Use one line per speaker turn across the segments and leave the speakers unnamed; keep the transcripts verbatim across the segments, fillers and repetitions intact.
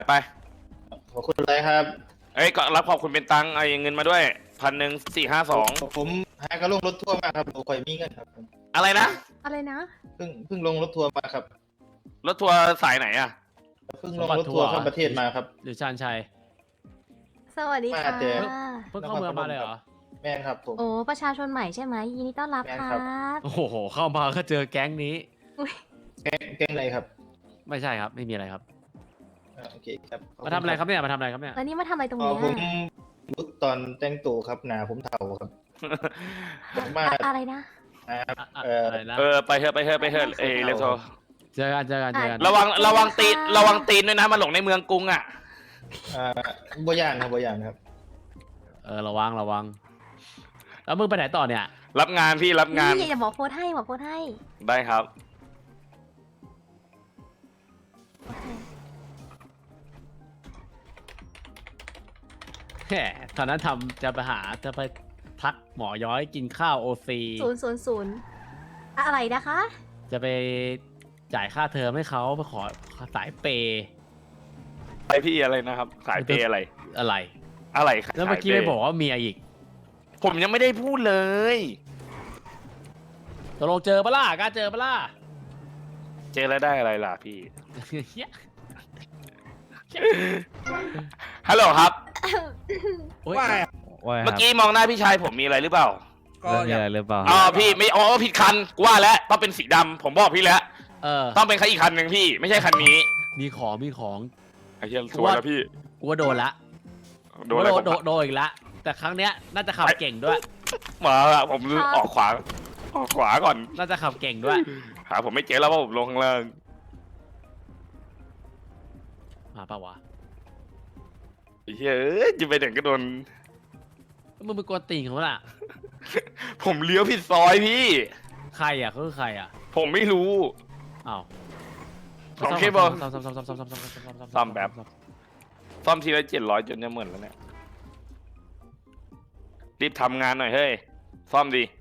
ไป
ขอบคุณเลยครับ
เอ้ยก็รับขอบคุณเป็นตังค์เอาเงินมาด้วยพันหนึ่งสี่ห้าสอง
ผมหากระลงรถทัวร์มาครับผมคอยมีเงินครับผม
อะไรนะ
อะไรนะ
เพิ่งเพิ่งลงรถทัวร์มาครับ
รถทัวร์สายไหนอะ
เพิ่งลงรถทัวร์ข้ามประเทศมาครับ
หรือชานชัย
สวัสดีค่ะ
มาเจอ
เพิ่งเข้าเมืองมาเลยเหรอ
แม่นครับผม
โอ้ประชาชนใหม่ใช่ไหมยินดีต้อนรับ
แม่น
ค
ครั
รับ บ
โอ้โหเข้ามาก็เจอแก๊งนี้
อุ๊ย
แก๊งแก๊งอะไรครับ
ไม่ใช่ครับไม่มีอะไรครับ
อ่าโอเคครับขบ
มา
ณ
ทำอะไรครับเนี่ยมาทำอะไรครับเนี่ย
แล้วนี่มาทำอะไรตรง
อ๋อ
เนี้ย
ผมลุกตอนแต่งตัวครับหนาผมเทาครับผมมา
อะอะไรนะ
อ่า
อะอะ
เอ่อ
อะไรนะ
เออไปเถอะไปเถอะไปเถอะเอยเรโซ
เจอกันเจอกันเจอกัน
ระวังระวังตีนระวังตีนด้วยนะมาหลงในเมืองกรุงอะ
อ่าบัวยานครับบัวยานครับ
เออระวังระวังแล้วมึงไปไหนต่อเนี่ย
รับงานพี่รับงาน
นี่อย่าบอกโพสต์ให้บอกโพสต์ให้
ได้ครับ
โอเค
แหมตอนนั้นทำจะไปหาจะไปทักหมอย้อยกินข้าวโอซี
ศูนย์ศูนย์ศูนย์อะไรนะคะ
จะไปจ่ายค่าเทอมให้เขาไปขอสายเปย์
ไปพี่อะไรนะครับสายเปย์อะไร
อะไร
อะไร
แล้วเมื่อกี้
สาย
ไม่
ปย์
บอกว่าเมียอีก
ผมยังไม่ได้พูดเลย
ตกลงเจอปะล่ะกล้าเจอปะล่ะ
เจอแล้วได้อะไรล่ะพี่
เหี้ย
ฮัลโหลครับ
โอ๊ย
ว่าไง
ว่าไงค
เมื่
รั
อบ กี้มองหน้าพี่ชายผมมีอะไรหรือเปล่า
ก็
แล้วมี
อยา
อะไร
ก
หรือเปล่า
อ๋อพี่ไม่อ๋อผิดคันกูว่าแล้วต้องเป็นสีดำผมบอกพี่แล้ว
เออ
ต้องเป็นคันอีกคันหนึ่งพี่ ไม่ใช่คันนี้
มีของมีของ
ไอ้เหี้ยสวยแล้วพี่
กูว่าโดนละ
โดนอะไร
โด
ผ
นโด
ม
นโดนอีกละแต่ครั้งเนี้ยน่าจะขับเก่งด้วย
มาละผมออกขวาออกขวาก่อน
น่าจะขับเก่งด้วย
หาผมไม่เจอแล้วว่าผมลงข้างล่าง
มาปะวะ
ไอ้เหี้ยเอ้ยจะไปไหนก็โดน
มึงเป็นกวนติ่งเขาล่ะ
ผมเลี้ยวผิดซอยพี่
ใครอ่ะเขาคือใครอ่ะ
ผมไม่รู้
อ้าว
ของเคเบิล
ซ่อมซ่อมซ่อมซ่อมซ่อมซ่อมซ่อมซ่อมซ่อม
ซ่อมแบบ ซ่อมทีละเจ็ดร้อยจนจะเหมือนแล้วเนี่ยรีบทำงานหน่อยเฮ้ยซ่อมดี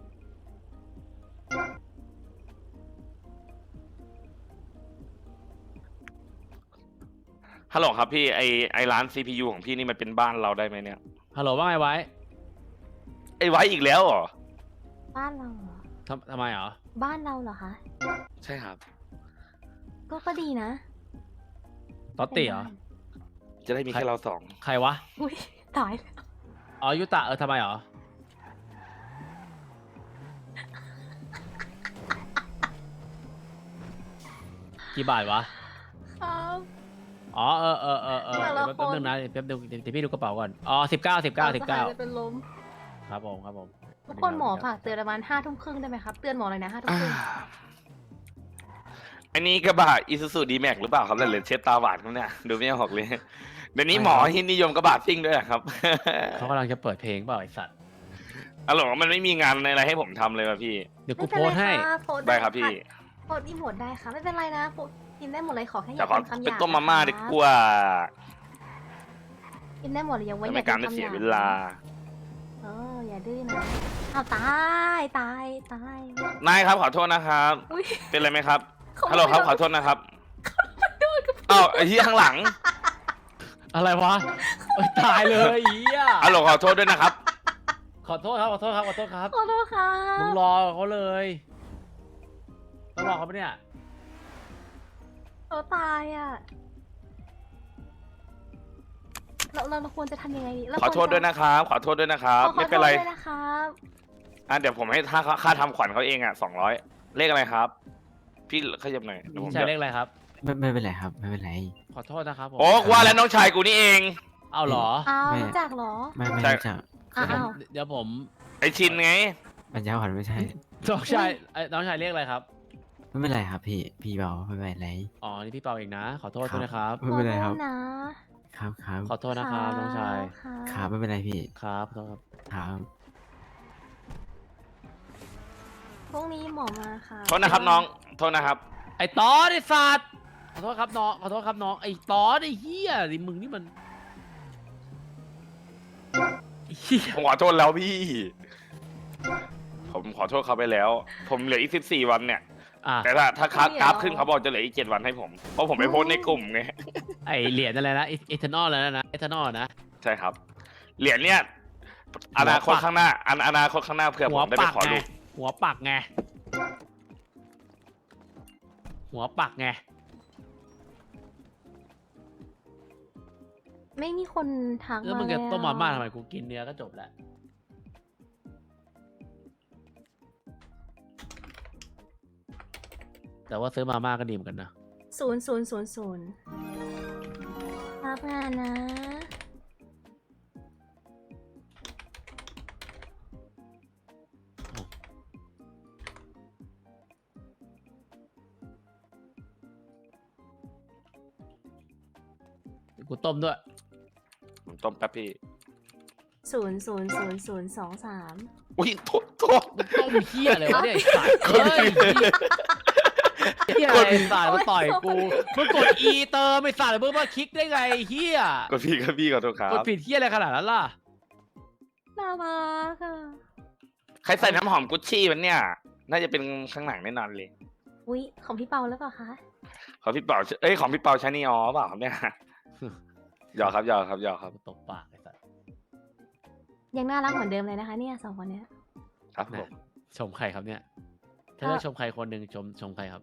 ฮัลโหลครับพี่ไอไอร้าน ซี พี ยู ของพี่นี่มันเป็นบ้านเราได้ไหมเนี่ย
ฮัลโหลว่าไงไว้
ไอไว้อีกแล้วเหรอ
บ้านเราเหรอ
ทำทำไมเหรอ
บ้านเราเหรอคะ
ใช่ครับ
ก็ก็ดีนะ
ตอตติเหรอ
จะได้มีแค่เราสอง
ใครวะ
อุ้ยตายแล้ว
อ๋อยุตะเออทำไมเหรอ กี่บาทวะ
ครับ
อ๋อเออเออเออเออ
แต่ละ
เดี๋ยวแป๊บ
คน
นึงนะเดี๋ยวแป๊บนึงเดี๋ยวพี่ดูกระเป๋าก่อน อ๋อสิบเก้าสิบเก้าสิบเก้า
จะเป็นลม
ครับผมครับผม
ทุกคนหมอฝากเตือนประมาณห้าทุ่มครึ่งได้ไหมครับ เตือนหมอเลยนะห้าทุ่ม
อ่า
ครึ่ง
อันนี้กระบะอีซูซูดีแม็กหรือเปล่าครับแต่เหลือเช็ดตาหวานครับเนี่ยดูไม่ออกเลยเดี๋ยวนี้หมอฮินนิยมกระบะซิ่งด้วยอะครับ
เขากำลังจะเปิดเพลงเปล่าไอสัตว์
อ๋อเหรอมันไม่มีงานอะไรให้ผมทำเลยว่ะพี่
เดี๋ยวกู
ไม่
โพ
เป็น
ส
ไร
ต์ให้
ค่ะโพสต์
ได้ครับพี่
โพสต์อีโมดได้ค่ะไม่เป็นไรนะโพสต์กินได้หมดเลยขอแค่อ
แต่
ย่า
ขอ
เป็นคำห
เป็น
ยาบ
ต้มมาม่า
นะ
ดี
ครับ
กว่า
กินได้หมดเลยอย่าไว้
จะ
อย่า
ไม่
เป็
การ
น
ไม่
คำห
เสีย
ยาบ
เวลา
เอออย่าดื้อนะอ้าวตายตายตาย
นายครับขอโทษนะครับ
อุ้ย
เป็นไรไหมครับ
เขา
ฮัลโหลครับขอโทษนะครับอ้าวไอ้ที่ข้างหลัง
อะไรวะเอ้ยตายเลยอีอ่ะ
ฮัลโหลขอโทษด้วยนะครับ
ขอโทษครับขอโทษครับขอโทษครับ
ขอโทษค่ะ
มึงรอเขาเลยต้องรอเขาปะเนี่ย
เขาตายอ่ะเราเราเราควรจะทำยังไงดีเรา
ขอโทษด้วยนะครับ ขอโทษด้วยนะครับ
ขอ
ไม่เป็นไร
ขอโทษด้วยนะครับ
อ่ะเดี๋ยวผมให้ค่าค่าทำขวัญเขาเองอ่ะสองร้อยเลขอะไรครับ พี่ขยับหน่อยเดี๋ยวผม
ใช่
จะ
เลขอะไรครับ
ไม่ไม่เป็นไรครับ ไม่เป็นไร
ขอโทษนะครับผม
โอ้ว่าแล้วน้องชายกูนี่เอง
เอาเหรอ
อ้าว
ไม่
รู้จักเหรอ
ไม่ไม่
ใช่
รู้จัก
อ้าว
เดี๋ยวผม
ไอชินไง
ปัญญาอ่อนไม่ใช่
น้องชายเอ้ยน้องชายเรียกอะไรครับ
ไม่เป็นไรครับพี่ พี่เบาไม่เป็นไร
อ๋อ นี่พี่เปาเองนะ ขอโทษ
ครับ
ด้วยนะครับ
ไม่เป็นไรครับ
ขอโทษนะครับ
ครับ
ขอโทษนะครับน้องชาย
ครับ
ครับไม่เป็นไรพี่
ครับขอโทษครับ
ครับ
พรุ่งนี้หมอมาค่ะ
โทษนะครับน้อง โทษนะครับ
ไอ้ตอสไอ้สัตว์ขอโทษครับน้อง ขอโทษครับน้อง ไอ้ตอสไอ้เหี้ยดิมึงนี่มันไอ้เหี้ย
ผมขอโทษแล้วพี่ ผมขอโทษเขาไปแล้ว ผมเหลืออีกสิบสี่วันเนี่ย
อ่ะ
แต่ถ้าถ้า
เดี๋ยว
กราฟขึ้นเขาบอกจะเหลืออีกเจ็ดวันให้ผม เพราะผมไปโพสต์ในกลุ่มไง
ไอเหรียญอะไรนะเอทานอลแล้วนะเอทานอลนะ
ใช่ครับ เหรียญเนี่ยอนาคตข้างหน้าอนาอนาคตข้างหน้าเผื่อผ
หัว
มได้ไป
ปัก
ขอ
ไง
ลูก
หัวปักไงหัวปักไง
ไม่มีคนทัก
แล้ว
มา
มึง
เล
จะ
ย
ต้มมาม่า
อะ
ทำไมกูกินเนื้อก็จบแล้วแต่ว่าซื้อมาม่าก็ดีเหมือนกันนะ
ศูนย์ศูนย์ศูนย์ศูนย์รับงานนะ
กูต้มด้วย
ผมต้มแป๊บพี่
ศูนย์ศูนย์ศูนย์ศูนย์สองสาม
อุ้ยโทษโทษ
ต้มเฮียอะไรวะเนี่ยไอ้สัตว์เฮ้ยเฮียอะไรไอ้สัตว์มาต่อยกูมึงกด E เติมไอ้สัตว์มึงมาคลิกได้ไงไอ้เฮีย
ก็พี่ก็พี่ขอโทษครับ
กดผิดเฮียอะไรขนาดนั้นล่ะ
น่ารักอะ
ใครใส่น้ำหอมกุชชี่มันเนี่ย น่าจะเป็นข้างหลังแน่นอนเลย
อุ๊ย ของพี่เปาหรือเปล่าคะ
ของพี่เปาเอ้ยของพี่เปาใช้นี่อ๋อเปล่าครับเนี่ยหยอกครับหยอกครับหยอกครับ
กูตบปากไอ้สัตว์
ยังน่ารักเหมือนเดิมเลยนะคะเนี่ยสองคนเนี้ย
ครับผม
ชมใครครับเนี่ยถ้าเลือกชมใครคนหนึ่งชมชมใครครับ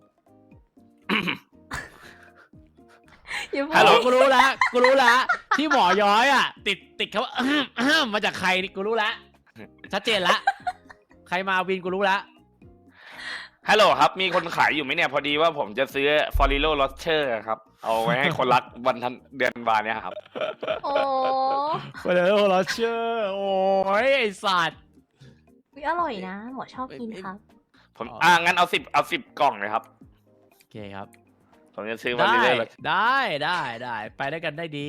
อย่าพู
ฮัลโหล
ด
กูรู้แล้วกูรู้แล้วที่หมอย้อยอ่ะ ติดติดคำว่าอื้มอื้มมาจากใครนี่กูรู้แล้วชัดเจนละใครมาวินกูรู้แล้ว
ฮัลโหลครับ มีคนขายอยู่ไหมเนี่ย พอดีว่าผมจะซื้อฟอริโลลอสเชอร์ครับ เอาไว้ให้คนรักวันทันเดือนวานเนี่ยครับ
โอ้
ไปเลยโอ้เราเชื่อโอ้ยไอสัตว์
อุ๊ยอร่อยนะ หมอชอบกินครับ
ผม
อ๋ออ่
อ่างั้นเอาสิบเอาสิบกล่องเลยครับ
โอเคครับ
ผมจะซื้อฟอ
ได้
ริโลลอส
ได้ได้ได้ไปได้กันได้ดี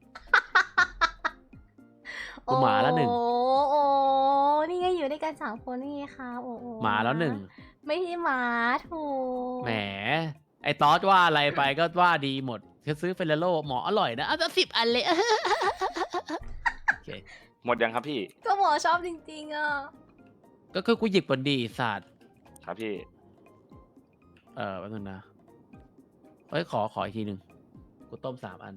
กูหมาแล้วหนึ่ง
โอ้โอ้นี่ไงอยู่ด้วยกันสามคนนี่ไงคะโอ้โอ้
หมาแล้วหนึ่ง
ไม่ใช่หมาถูก
แหมไอตอสว่าอะไรไปก็ว่าดีหมดคือซื้อเฟรโลหมออร่อยนะเอาสักสิบอันเลย โอเค
หมดยังครับพี่
ก็หมอชอบจริงๆอ่ะ
ก็คือกูหยิบบนดีสัตว์
ครับพี่
เออแป๊บนึงนะเอ้ยขอขออีกทีหนึ่งกูต้มสามอัน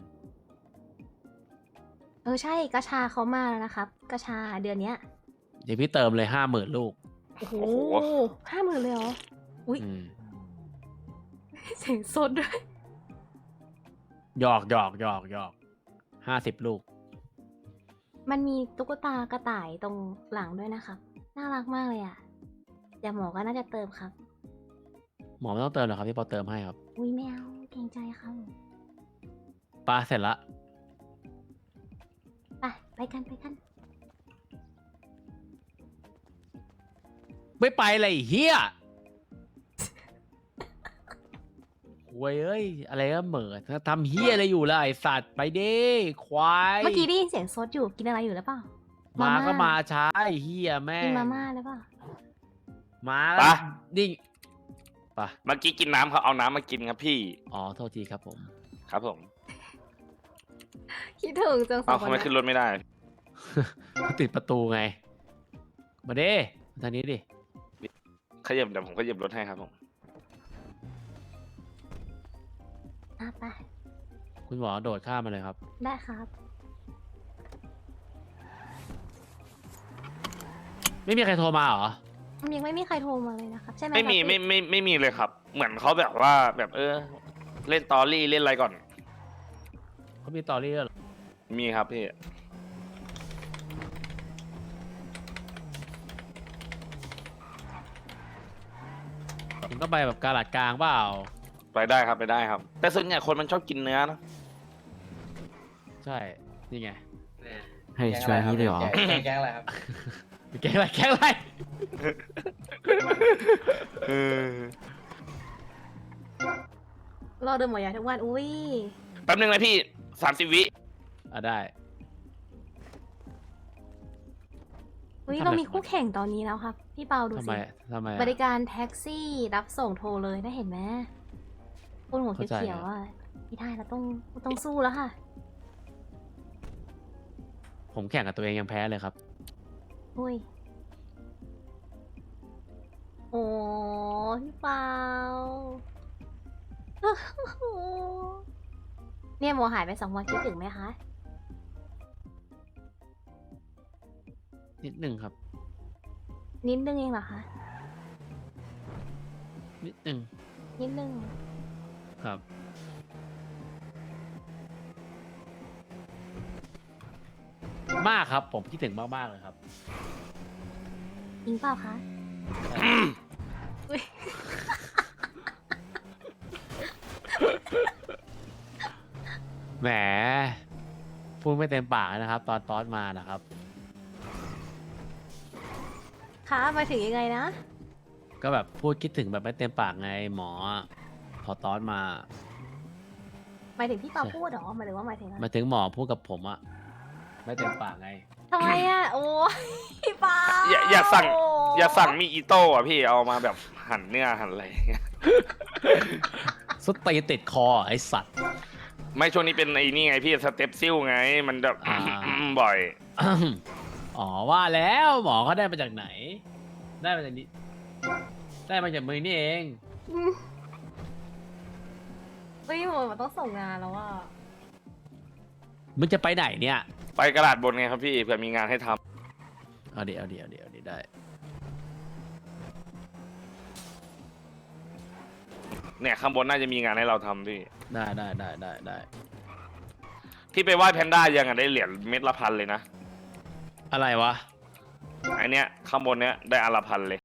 เออใช่กระชาเขามาแล้วนะครับกระชาเดือนเนี้ย
เดี๋ยวพี่เติมเลยห้าหมื่นลูก
โอ้โห
โอ้โห
ห้าหมื่นเลยเหรอ อุ๊ย
อืม
เสียงสดด้วย
หยอกหยอกหยอกหยอกห้าสิบลูก
มันมีตุ๊กตากระต่ายตรงหลังด้วยนะครับ น่ารักมากเลยอ่ะเดี๋ยวหมอก็น่าจะเติมครับ
หมอไม่ต้องเติมหรอกครับพี่ปอเติมให้ครับ
อุ้ยแมวเกรงใจครับ
ปลาเสร็จละ
ไปไปกันไปกัน
ไม่ไปเลยไอ้เฮียหวยเอ้ย อะไรก็เหม่อทำเฮียอะไรอยู่ล่ะไอสัตว์ไปเด้ควาย
เมื่อกี้ได้ยินเสียงซดอยู่กินอะไรอยู่หรือเปล่า
มา
มาม่า
ก็มาช้าไอ้เฮียแม่
กิน
ง
มาม่าหรือเปล่า
มา
ปะ
นิ่งปะ
เมื่อกี้กินน้ำเขาเอาน้ำมากินครับพี่
อ๋อโทษทีครับผม
ครับผม
คิดถึงจังสอ
เอา
งคน
ทำไม
เนี้
ขึ้
ย
นรถไม่ได้
ติดประตูไง มาเด้มาทางนี้ดิ
ขยับเดี๋ยวผมขยับรถให้ครับผม
อ่ะไป
คุณหมอโดดข้ามมาเลยครับ
ได้ครับ
ไม่มีใครโทรมาเหรอ
ยังไม่มีใครโทรมาเลยนะครับ ใช่ไหม
ไม่มี
ครับ
ไม่
พี่
ไม่ไม่มีเลยครับ เหมือนเขาแบบว่าแบบเออ เล่นตอรี่เล่นอะไรก่อน
เขามีตอรี่ด้วยเหรอ
มีครับพี่
คุณต้องไปแบบกาลาดกลางเปล่า
ไปได้ครับไปได้ครับ แต่ส่วนใหญ่คนมันชอบกินเนื้อนะ
ใช่ นี่ไง
ให้ช่วยนี่เลยเหรอ
แกงแกงอะไรครับ
แกงอะไรแกงอะไร
เออ
รอเดินหมอยาทุกวัน อุ้ย
แป๊บนึงนะพี่สามสิบวิ
อ่ะได้
อุ้ย
ทำไม
เรามีคู่แข่งตอนนี้แล้วครับ พี่เปาดู
ทำไม
สิ
ทำไมอะ
บริการแท็กซี่รับส่งโทรเลยได้เห็นไหมคนหัว
เข้าใจ
เขียวๆอ่ะไม่ได้เราต้องต้องสู้แล้วค่ะ
ผมแข่งกับตัวเองยังแพ้เลยครับ
อุ้ยโอ้พี่เปา เนี่ยโมหายไปสองวันคิดถึงไหมคะ
นิดหนึ่งครับ
นิดนึงเองเหรอคะ
นิดหนึ่ง
นิดนึง
ครับ มากครับ ผมคิดถึงมากๆเลยครับ
จริงเปล่าคะ อุ๊ย
แหม พูดไม่เต็มปากนะครับ ตอนตอนมานะครับ
คะหมายถึงยังไงนะ
ก็แบบพูดคิดถึงแบบไม่เต็มปากไงหมอ พอตอนมา
หมายถึงพี่เปา
ใช่
พูดเหรอหมายถึงว่าหมายถึงอะไร
มาถึงหมอพูดกับผมอะไม่เต็มปากไง
ทำไมอ่ะ โอ้ยพี่เปา
อย่าอย่าสั่ง อย่าสั่งมีอีโต้อะพี่เอามาแบบหั่นเนื้อหั่นอะไรอย่างเงี้ย
สุดตีนติดคอไอสัตว์
ไม่ช่วงนี้เป็นไอ้นี่ไงพี่สเต็ปซิลไง มันแบบ
อ่า
บ่อย
อ๋อว่าแล้วหมอเขาได้มาจากไหน ได้มาจากนี้ ได้มาจากมือนี่เอง
อืมเฮ้ยโมมันต้องส่งงานแล้วอ่ะ
มึงจะไปไหนเนี่ย
ไปกระดาษบนไงครับพี่เผื่อมีงานให้ทำ
เอาเดี๋ยวเอาเดี๋ยวเอาดี๋ยวเอาดี๋ยวได้
เนี่ยข้างบนน่าจะมีงานให้เราทำพี่
ได้ได้ได้ได้ได้
พี่ไปไหว้แพนด้ายังอะได้เหรียญเม็ดละพันเลยนะ
อะไรวะ
ไอเนี้ยข้างบนเนี้ยได้อันละพันเลย